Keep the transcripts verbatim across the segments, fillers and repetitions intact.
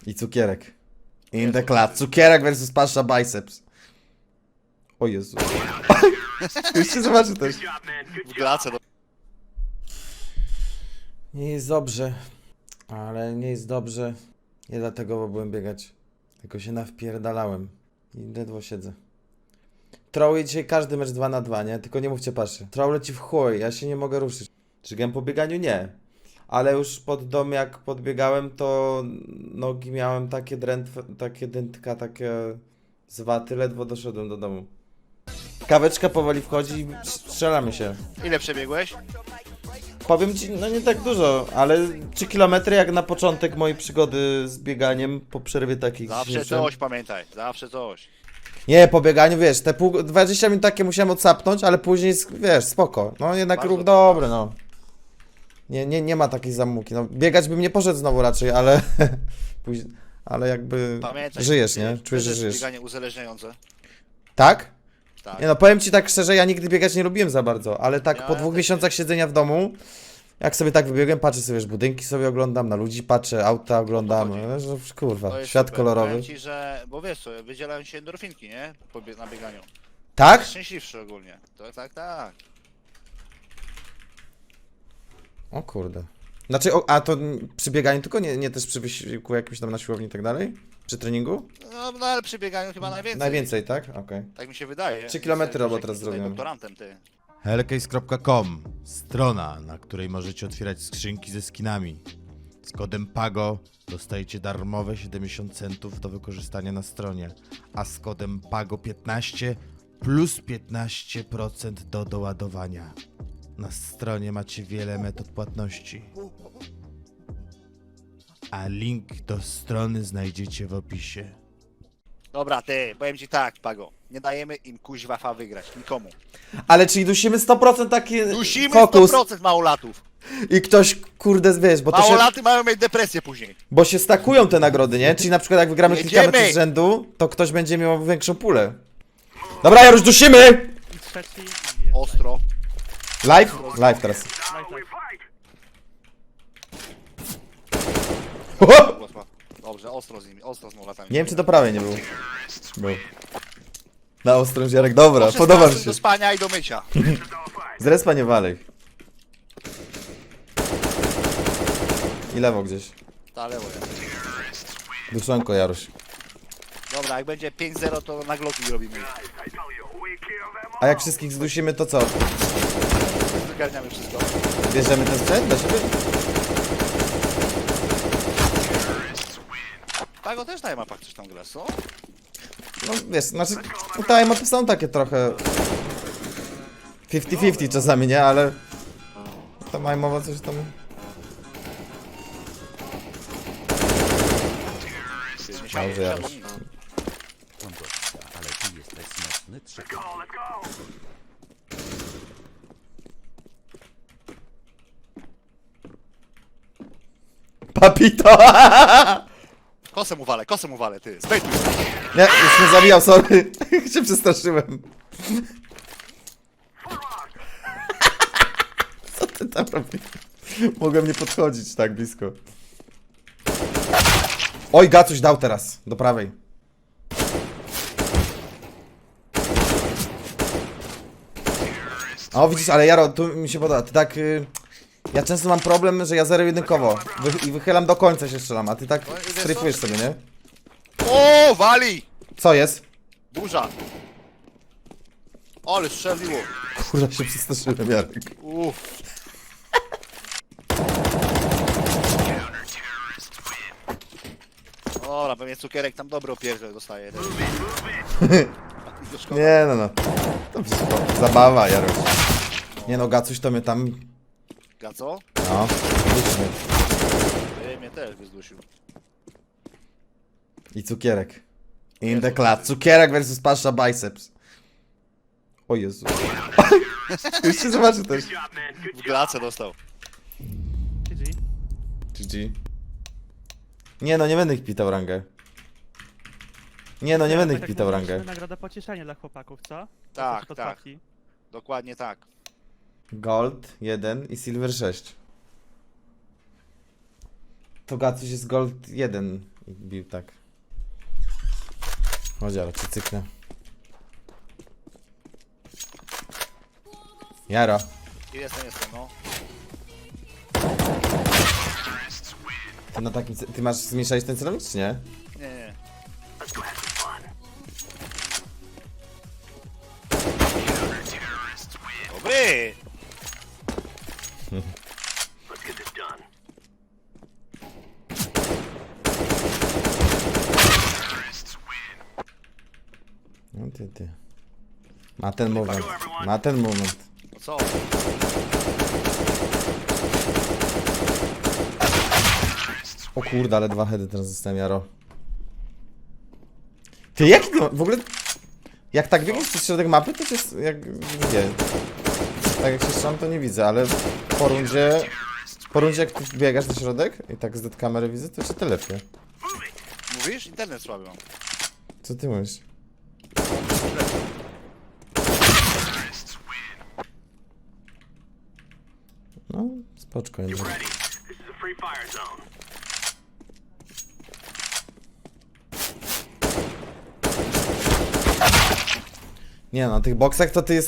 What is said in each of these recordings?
I cukierek. In the club. Cukierek versus Pasza Biceps. O Jezu. Już się zobaczy też. W glace do... Nie jest dobrze. Ale nie jest dobrze. Nie dlatego, bo byłem biegać. Tylko się nawpierdalałem. I ledwo siedzę. Trołuję dzisiaj każdy mecz dwa na dwa, nie? Tylko nie mówcie Paszy. Troll leci w chuj, ja się nie mogę ruszyć. Czy po bieganiu? Nie. Ale już pod dom jak podbiegałem, to nogi miałem takie drętwe, takie dętka, takie zwaty, ledwo doszedłem do domu. Kaweczka powoli wchodzi i strzelamy się. Ile przebiegłeś? Powiem ci, no nie tak dużo, ale trzy kilometry jak na początek mojej przygody z bieganiem po przerwie takich. Zawsze coś, pamiętaj, zawsze coś. Nie, po bieganiu, wiesz, te pół, dwadzieścia minut takie musiałem odsapnąć, ale później, wiesz, spoko. No jednak Bardzo ruch dobry, no. Nie, nie, nie ma takiej zamuki. No, biegać bym nie poszedł znowu raczej, ale później, ale jakby Pamiętaj, żyjesz, nie? wiesz, Czujesz, to że jest żyjesz. bieganie uzależniające. Tak? Tak. Nie no, powiem ci tak szczerze, ja nigdy biegać nie lubiłem za bardzo, ale tak Ja po dwóch też miesiącach siedzenia w domu, jak sobie tak wybiegłem, patrzę sobie, wiesz, budynki sobie oglądam, na ludzi patrzę, auta oglądam, chodzi. no, że, To kurwa, jest świat super. kolorowy. Powiem ci, że, bo wiesz co, wydzielają się endorfinki, nie? Po bie- na bieganiu. Tak? Szczęśliwszy ogólnie. To tak, tak. O kurde. Znaczy, o, a to mm, przy bieganiu tylko, nie, nie też przy wysiłku jakimś tam na siłowni i tak dalej? Przy treningu? No, no ale przy bieganiu chyba najwięcej. Najwięcej, tak? Okej. Tak mi się wydaje. Trzy kilometry Jestem robot teraz tutaj zrobiłem. doktorantem, ty. Hellcase kropka com, strona, na której możecie otwierać skrzynki ze skinami. Z kodem PAGO dostajecie darmowe siedemdziesiąt centów do wykorzystania na stronie, a z kodem PAGO piętnaście plus piętnaście procent do doładowania. Na stronie macie wiele metod płatności, a link do strony znajdziecie w opisie. Dobra, ty, powiem ci tak, Pago. Nie dajemy im kuźwa fa wygrać, nikomu. Ale czyli dusimy sto procent taki Dusimy fokus sto procent małolatów. i ktoś, kurde, wiesz, bo to się, Małolaty mają mieć depresję później. bo się stakują te nagrody, nie? Czyli na przykład jak wygramy kilka Jedziemy! meczów z rzędu, to ktoś będzie miał większą pulę. Dobra, ja już dusimy! I trzeci i jest Ostro. Live? Live teraz. live, live. Dobrze, ostro z nimi, ostro z małolatami. Nie wiem, czy do prawej nie był. Był. Na ostrą ziarek, dobra, Od podoba mi szesnastej się. do spania i do mycia. Z respa nie walej. I lewo gdzieś. Ta lewo jest. Duszonko, Jaruś. Dobra, jak będzie pięć zero, to na gloki robimy. A jak wszystkich zdusimy, to co? Wygarniamy wszystko. Bierzemy ten sprzęt dla siebie? Pago też na mapach coś tam gra, co? No wiesz, znaczy tutaj mapy są takie trochę pięćdziesiąt pięćdziesiąt czasami, nie? Ale to mają mowa coś tam... Nie Dobrze, Jaruś. Papito! Kosem uwalę, kosem uwalę, ty. Zbejtuj. Nie, już mnie zabijał, sorry. się przestraszyłem. Co ty tam robisz? Mogłem nie podchodzić tak blisko. Oj, Gacuś dał teraz, do prawej. O, widzisz, ale Jaro, tu mi się podoba, ty tak... Y ja często mam problem, że ja zero jedynkowo wy i wychylam do końca się strzelam, a ty tak No i wiesz stryfujesz co? sobie, nie? O, wali! Co jest? Burza. Ale strzeliło. Kurwa, się przestraszyłem, Jarek. Uff. Dobra, pewnie cukierek tam dobry opierdziel dostaje. Do szkoły. Nie no no. To wszystko zabawa, Jaruś. Nie no, Gacuś to mnie tam... Gaco? No, licznie. Ty mnie też wyzdusił. I cukierek. In the club. Cukierek versus Pasza Biceps. O Jezu. Już się zobaczy też. W glace dostał. G G. G G. Nie no, nie będę ich pitał rangę. Nie no, nie będę ich Tak jak pitał mówiliśmy, rangę. nagroda pocieszenia dla chłopaków, co? Tak, Proszę tak. podpawki. Dokładnie tak. Gold jeden i Silver sześć. To Gacuś jest gold jeden i bił tak. Chodź, ale cię cyknę. Jaro. Jestem, jestem, no. Ty na takim... ce- Ty masz zmniejszać ten celownik, czy nie? Nie, nie. Dobry! No ty, ty. Ma ten moment. Ma ten moment. No co? O kurde, ale dwa heady teraz zostałem, Jaro. Ty, jaki ty ma- w ogóle... Jak tak biegniesz przez środek mapy, to jest jak... Nie. Tak jak się strzelam, to nie widzę, ale po rundzie... Po rundzie jak ty biegasz na środek i tak z kamery widzę, to się telepie. Mówisz? Internet słaby mam. Co ty mówisz? No, spoczko jednak. Nie no, na tych boksach to ty jest...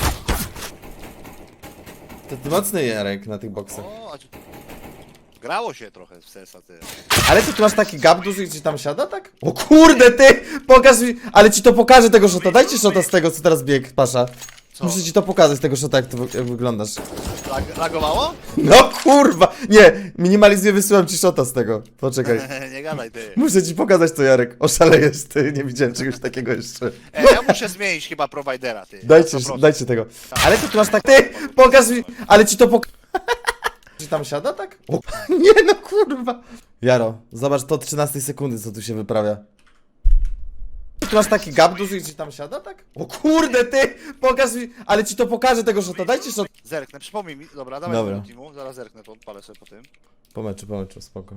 To ty mocny Jarek na tych boksach. O, a czy... Grało się trochę w sesa, ty. Ale ty tu masz taki gap duży i ci tam siada, tak? O kurde, ty! Pokaż mi... Ale ci to pokażę tego shota. Dajcie shota z tego, co teraz bieg, Pasza. Co? Muszę ci to pokazać, tego shota, jak to wy- jak wyglądasz. Lag lagowało? No kurwa! Nie! Minimalizuję, wysyłam ci shota z tego. Poczekaj. Nie gadaj, ty. Muszę ci pokazać to, Jarek. Oszalejesz, ty. Nie widziałem czegoś takiego jeszcze. E, ja muszę zmienić chyba prowajdera, ty. Dajcie, Na sto procent. dajcie tego. Ale ty tu masz tak... Ty! Pokaż mi... Ale ci to pokażę. Czy tam siada, tak? O, nie no, kurwa. Jaro, zobacz to od trzynastej sekundy, co tu się wyprawia. Tu masz taki gap duży i ci tam siada, tak? O kurde, ty! Pokaż mi... Ale ci to pokażę tego shota. Dajcie shot. Zerknę, przypomnij mi. Dobra, dawaj Dobra. do teamu. Zaraz zerknę, to odpalę sobie po tym. Po meczu, po meczu, spoko.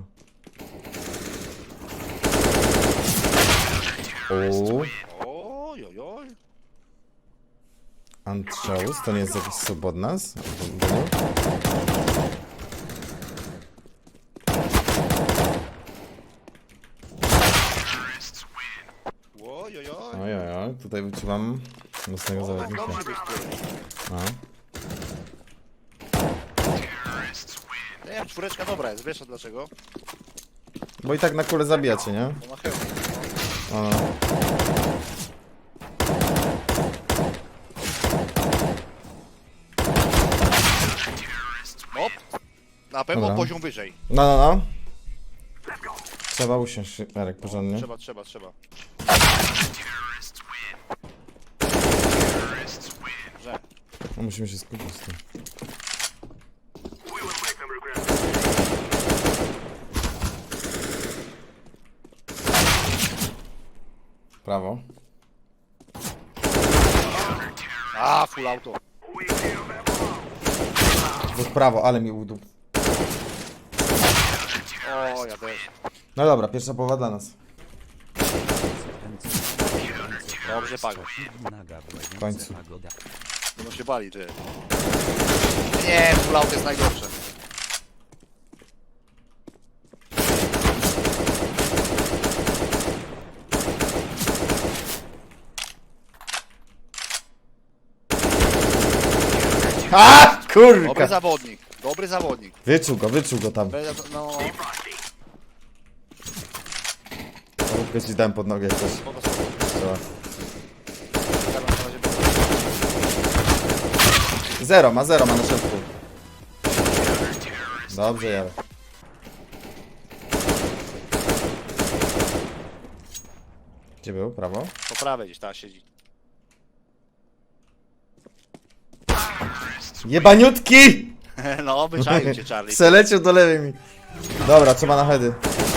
O, Oj, oj, oj. Antshows, to nie jest jakiś sub od nas? Oj, oj, oj. Oj, oj, oj, tutaj wyczuwam mocnego O, zawodnika. dobrze być ty. No. Nie wiem, czwóreczka dobra jest, wiesz dlaczego? Bo i tak na kulę zabijacie, nie? Bo ma hełm. O, no. Op. Na pewno Dobra. poziom wyżej. No, no, no. Trzeba usiąść, Jarek, porządnie. Trzeba, trzeba, trzeba. Że. No, musimy się skupić z tym. Prawo. A, full auto. W prawo, ale mi udup. O, ja też. No dobra, pierwsza połowa dla nas. Dobrze, Pago. W końcu. Będą się bali, ty. Nie, full auto jest najgorsze. A, Dobry kurka! zawodnik, dobry zawodnik. Wyczuł go, wyczuł go tam. Będę, no, Róbkę ci dałem pod nogę jakoś. spoko, spoko. Trzeba. Czekam, na razie będzie. Zero, ma zero, ma na środku. Dobrze, Jarek. Gdzie był? Prawo? Po prawej gdzieś tam siedzi. Jebaniutki! No, obyczaił cię, Charlie. Przeleciał do lewej mi. Dobra, trzeba na heady.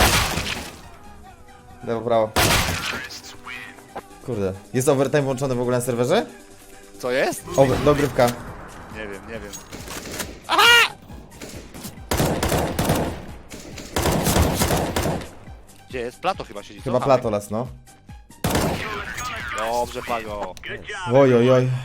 Lewo, prawo. Kurde. Jest overtime włączony w ogóle na serwerze? Co jest? Over, dogrywka. Nie wiem, nie wiem. Gdzie jest? Plato chyba siedzi, co? Chyba Platolas, no. Dobrze, Pago. Oj, oj, oj.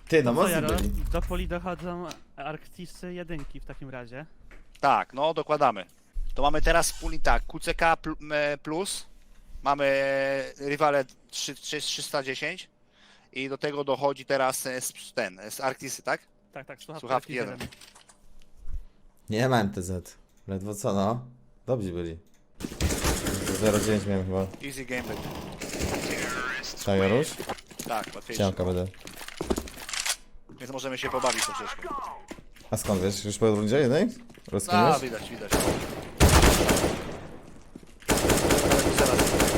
Ty, no Co, mocno Jaro? byli. Do poli dochodzą Arktisy jedynki w takim razie. Tak, no dokładamy. To mamy teraz wspólnie tak, Q C K pl- m, plus, mamy rywale trzy- trzy- trzysta dziesięć i do tego dochodzi teraz e, z- ten, z Arktisy, tak? Tak, tak, słuchawki, Słuchawki Arktis jeden. Nie ma M T Z. Ledwo co, no. Dobrzy byli. zero dziewięć miałem chyba. Easy game będzie. Tak, Jaruś? Tak, łatwiejsze. Siemka będę. Więc możemy się pobawić troszeczkę. A skąd wiesz? Już po rundzie jednej? A, Rozkminiesz? widać, widać. Ale to zaraz.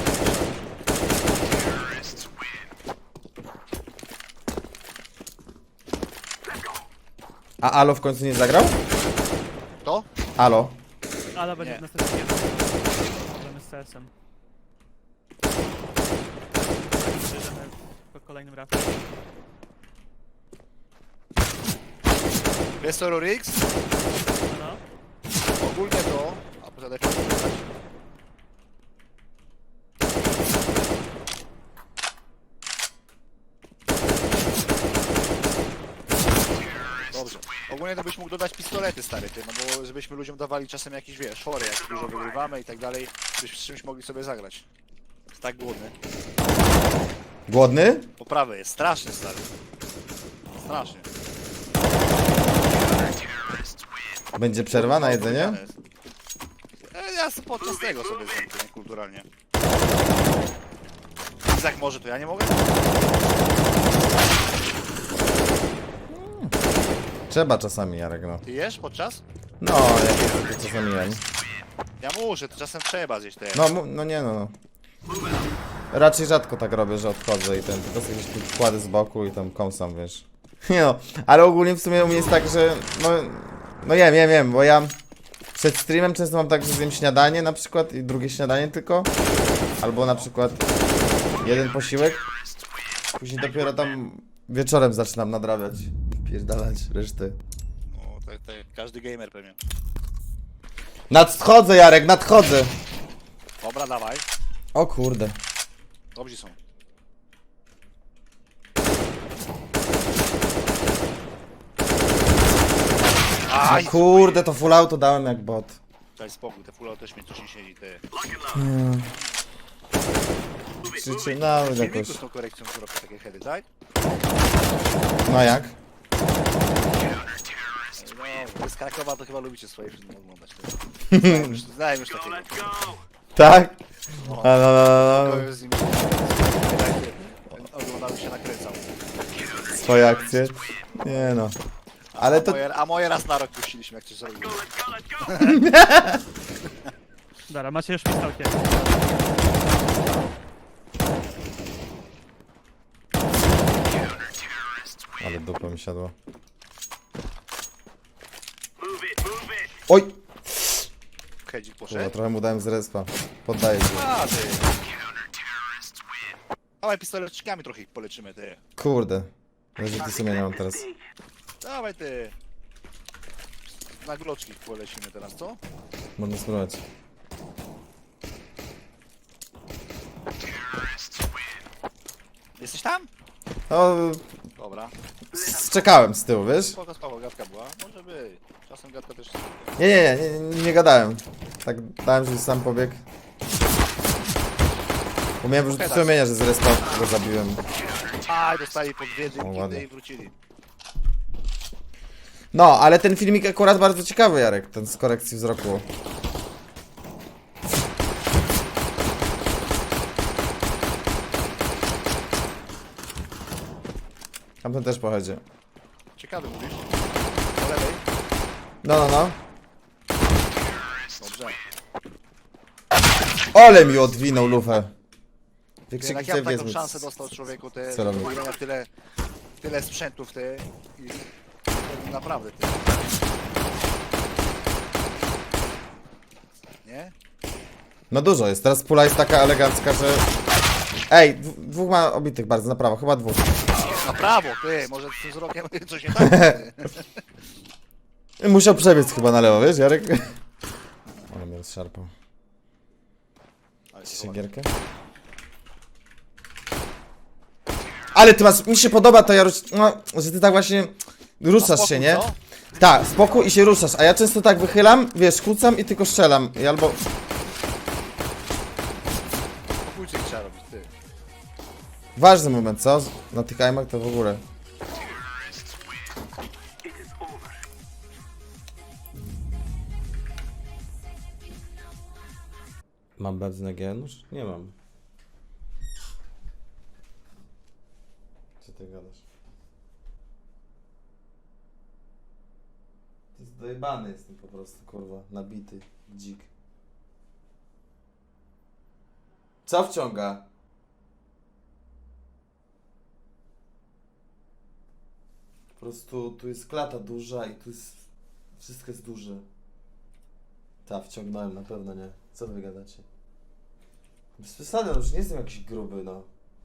A Alo w końcu nie zagrał? To? Alo. Ale będzie Nie. w następnym jeden. Problemy z C S-em. Przyjdziemy po kolejnym rafie. Wiesz co, Rurix? No, no. Ogólnie to... A poza lepiej wyglądać. Dobrze. Ogólnie to byś mógł dodać pistolety, stary, ty, no bo żebyśmy ludziom dawali czasem jakieś, wiesz, fory, jak dużo wygrywamy i tak dalej, byśmy z czymś mogli sobie zagrać. Jest tak głodny. Głodny? Poprawy jest strasznie, stary. Strasznie. Będzie przerwa na jedzenie? E, Ja sobie podczas tego sobie zjem, to niekulturalnie. Izak może, to ja nie mogę? Trzeba czasami, Jarek, no. Ty jesz podczas? No, jak jest, to czasami jem. Ja muszę, to czasem trzeba zjeść te. No, mu- no nie no, no. Raczej rzadko tak robię, że odchodzę i ten, tylko sobie jakieś tu wkłady z boku i tam kąsam, wiesz. Nie no, ale ogólnie w sumie u mnie jest tak, że no, no jem, jem, jem, bo ja przed streamem często mam tak, że zjem śniadanie na przykład i drugie śniadanie tylko. Albo na przykład jeden posiłek. Później dopiero tam wieczorem zaczynam nadrabiać. Pierdalać reszty. No, to, to każdy gamer pewnie. Nadchodzę, Jarek, nadchodzę! Dobra, dawaj. O kurde. Dobrzy są. Aj! No kurde, to full auto dałem jak bot. Daj spokój, te full też mnie coś nie siedzi, ty. Przyczynały W jakoś. filmiku z tą korekcją zrobię takie heady, tak? No jak? No, wy z Krakowa to chyba lubicie swoje filmy oglądać. ty. Znałem już, znałem już takiego. Tak? A, no, no, no, To no. już z nim oglądał się nakręcał. Swoje akcje? Nie no. Ale to... Moje, a moje raz na rok puściliśmy, jak coś zrobiło. Dobra, macie już pistolki. Ale dupa mi siadła. Oj! Hedzik Kurwa, poszedł. trochę mu dałem z respa. Poddaję się. A, ty. Dawaj pistoletczykami trochę ich poleczymy, ty. Kurde. Leży ty sumienia mam teraz. Dawaj, ty. Na gloczki ich polecimy teraz, co? Można spróbować. Jesteś tam? No, Dobra. s- czekałem z tyłu, wiesz? Spoko, spoko, gadka była. Może być. Czasem gadka też... Nie, nie, nie, nie, nie gadałem. Tak dałem, że sam pobiegł. Bo miałem już sumienia, że z respa go zabiłem. Aj, dostali po dwie O, drinki ładnie. i wrócili. No, ale ten filmik akurat bardzo ciekawy, Jarek, ten z korekcji wzroku. Tamten też pochodzi. Ciekawy mówisz? Po lewej? No, no, no. Dobrze. Ole mi odwinął lufę. Ty, Wykrzyki jak ja sobie taką wezmę. szansę dostał człowieku, te Celowy. wygrania tyle, tyle sprzętów, te i to naprawdę, ty. Nie? No dużo jest, teraz pula jest taka elegancka, że... Ej, dw- dwóch ma obitych bardzo, na prawo, chyba dwóch. Na prawo, ty, może z tym wzrokiem coś nie tak? Ty. Musiał przebiec chyba na lewo, wiesz, Jarek? Ale mnie rozszarpał. Ale to Chcecie gierkę? Ale ty masz, mi się podoba to, Jaruś, no, że ty tak właśnie ruszasz się, nie? Co? Tak, spokój i się ruszasz, a ja często tak wychylam, wiesz, kłócam i tylko strzelam. I albo... Pokójcie trzeba robić, ty. Ważny moment, co? Na tych aimach to w ogóle. Mam benzynę G? Nóż? Nie mam. Co ty gadasz? To jest dojebany jestem po prostu, kurwa. Nabity. Dzik. Co wciąga? Po prostu tu jest klata duża i tu jest... Wszystko jest duże. Ta, wciągnąłem, na pewno nie. Co wy gadacie? Bez przesady, no już nie jestem jakiś gruby, no.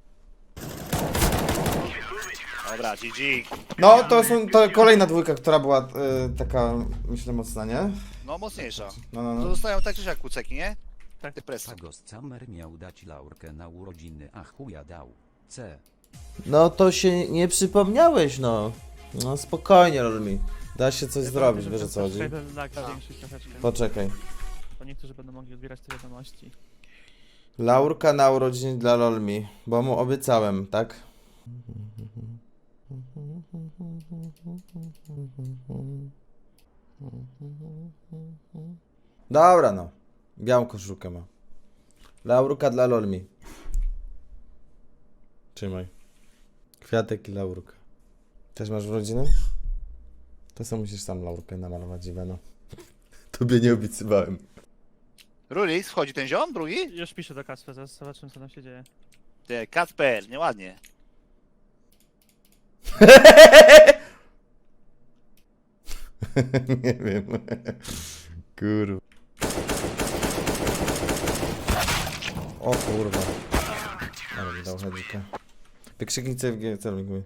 Dobra, G G. No, to są to kolejna dwójka, która była y, taka, myślę, mocna, nie? No mocniejsza. No, no, To no. zostają tak czy siak kuceki, nie? Tak. Ty presy. Ghost Summer miał dać laurkę na urodziny, a chuja dał. C. No to się nie przypomniałeś, no. No spokojnie, Rolmi. Da się coś zrobić, wiesz o co chodzi? Ten lag zwiększyć troszeczkę. Poczekaj. Bo niektórzy będą mogli odbierać te wiadomości. Laurka na urodziny dla Lolmi, bo mu obiecałem, tak? Dobra, no. Białą koszulkę ma. Laurka dla Lolmi. Trzymaj. Kwiatek i laurka. Też masz urodziny? To co musisz sam laurkę namalować, Iwano. Tobie nie obiecywałem. Rulis, wchodzi ten ziom, drugi? Już piszę do Kasper, zaraz zobaczymy co tam się dzieje. Ty, Kacper, nieładnie. Nie wiem. Kurwa. O kurwa. Ale mi dał hedzika. Wykrzyknij C F G, celnik mój.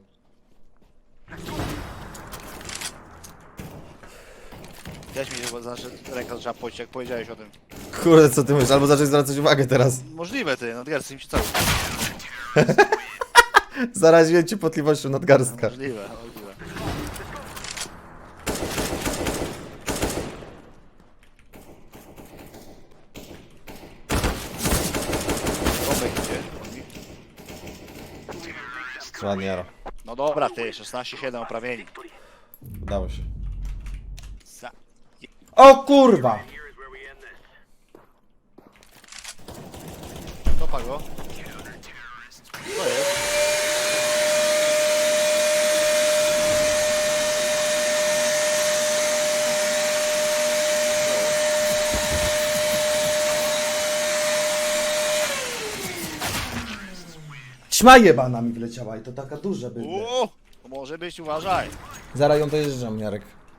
Też mi się bo znaczy, ręka zaczęła pocić, jak powiedziałeś o tym. Kurde, co ty mówisz? Albo zacząć zwracać uwagę teraz. Możliwe, ty, nadgarstek mi się cały. Zaraziłem cię potliwością nadgarstka. Możliwe, możliwe. Tomek idzie. Ładnie, Jaro. No dobra, ty, szesnaście siedem oprawieni. Udało się. Za... O kurwa! Kopa go. Co jest? Ćma jebana mi wleciała i to taka duża bydle. Uuu, to może być, uważaj. Zaraz ją dojeżdżam, Jarek.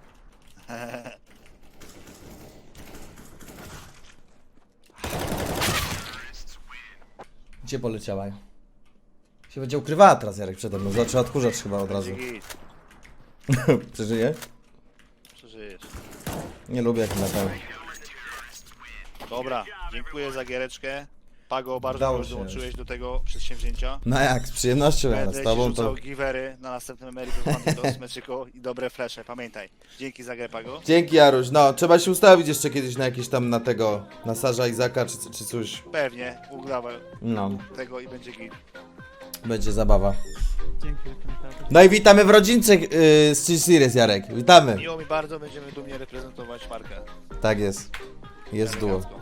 Gdzie poleciała? Się będzie ukrywała teraz, Jarek, przede mną. Zaczął odkurzacz chyba od razu. Git, Przeżyje? przeżyjesz. Nie lubię jak na pewno. Dobra, dziękuję za giereczkę. Pago, bardzo Udało już się. dołączyłeś do tego przedsięwzięcia. No jak, z przyjemnością ja z Będę ci tobą rzucał to... givery na następnym American Banditos, meczyko i dobre flesze, pamiętaj. Dzięki za grę, Pago. Dzięki, Jaruś. No, trzeba się ustawić jeszcze kiedyś na jakieś tam, na tego, na Sarza Izaka czy, czy coś. Pewnie, udawaj No, tego i będzie git. będzie zabawa. Dzięki za komentarze. No i witamy w rodzince yy, z Chill Series, Jarek. Witamy. Miło mi bardzo, będziemy dumnie reprezentować markę. Tak jest. Jest duo. elegancko.